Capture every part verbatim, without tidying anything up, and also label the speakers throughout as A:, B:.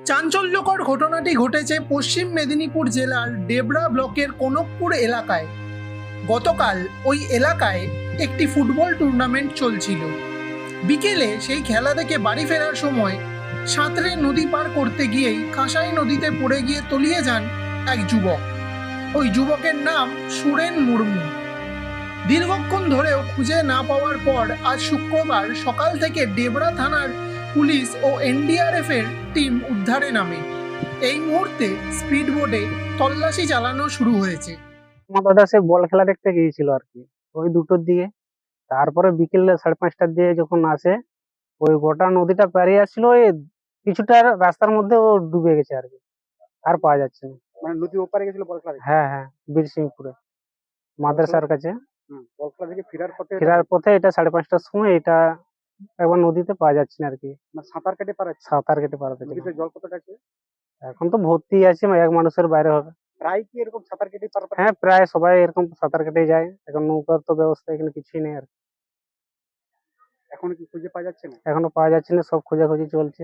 A: চাঞ্চল্যকর ঘটনাটি ঘটেছে পশ্চিম মেদিনীপুর জেলার ডেবরা ব্লকের কনকপুর এলাকায়। গতকাল ওই এলাকায় একটি ফুটবল টুর্নামেন্ট চলছিল। বিকেলে সেই খেলা দেখে বাড়ি ফেরার সময় সাঁতরে নদী পার করতে গিয়েই কাঁসাই নদীতে পড়ে গিয়ে তলিয়ে যান এক যুবক। ওই যুবকের নাম সুরেন মুর্মু। দীর্ঘক্ষণ ধরেও খুঁজে না পাওয়ার পর আজ শুক্রবার সকাল থেকে ডেবরা থানার পুলিশ ও এনডিআরএফ এর টিম উদ্ধারে নামে। এই মুহূর্তে স্পিড বোটে তল্লাশি চালানো শুরু হয়েছে।
B: আমার দাদা সে বল খেলা দেখতে গিয়েছিল আর কি, ওই দুটোর দিকে। তারপরে বিকেল সাড়ে পাঁচটার দিকে যখন আসে, ওই গোটা নদীটা পেরিয়ে আসছিল, ওই কিছুটা রাস্তার মধ্যে ও ডুবে গেছে আর কি, আর পাওয়া যাচ্ছে না।
C: মানে নদী ওপারে গেছিল বল খেলা দেখতে?
B: হ্যাঁ হ্যাঁ, বীরসিংপুরে মাদ্রাসার কাছে।
C: হুম, বল খেলা থেকে ফেরার পথে
B: ফেরার পথে এটা সাড়ে পাঁচটার সময় এটা একবার নদীতে পাওয়া যাচ্ছে না আর কি,
C: মানে সাঁতার কেটে পারে?
B: সাঁতার কেটে পারাতে।
C: নদীতে জল কতটা আছে?
B: এখন তো ভর্তি আছে, এক মানুষের বাইরে হবে।
C: প্রায় কি এরকম সাঁতার কেটে পার পারে?
B: হ্যাঁ, প্রায় সবাই এরকম সাঁতার কেটে যায়। এখন নৌকার তো ব্যবস্থা এখানে কিছুই নেই আর কি।
C: এখনো কি খুঁজে পাওয়া যাচ্ছে না?
B: এখনো পাওয়া যাচ্ছে না, সব খোঁজাখুঁজি চলছে।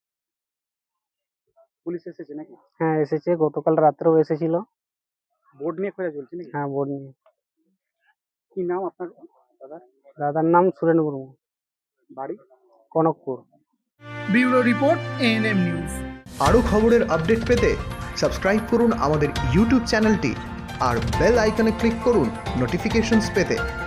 C: পুলিশ এসেছে নাকি?
B: হ্যাঁ এসেছে, গতকাল রাত্রেও এসেছিল।
C: বোর্ড নিয়ে খোঁজা চলছে নাকি?
B: হ্যাঁ, বোর্ড নিয়ে।
C: কি নাম আপনার দাদা?
B: দাদার নাম সুরেন মুর্মু,
C: বাড়ি
B: Kanakpur.
A: Bureau report, ANM news.
D: আরও খবরের আপডেট পেতে সাবস্ক্রাইব করুন আমাদের ইউটিউব চ্যানেলটি আর বেল আইকনে ক্লিক করুন নোটিফিকেশনস পেতে।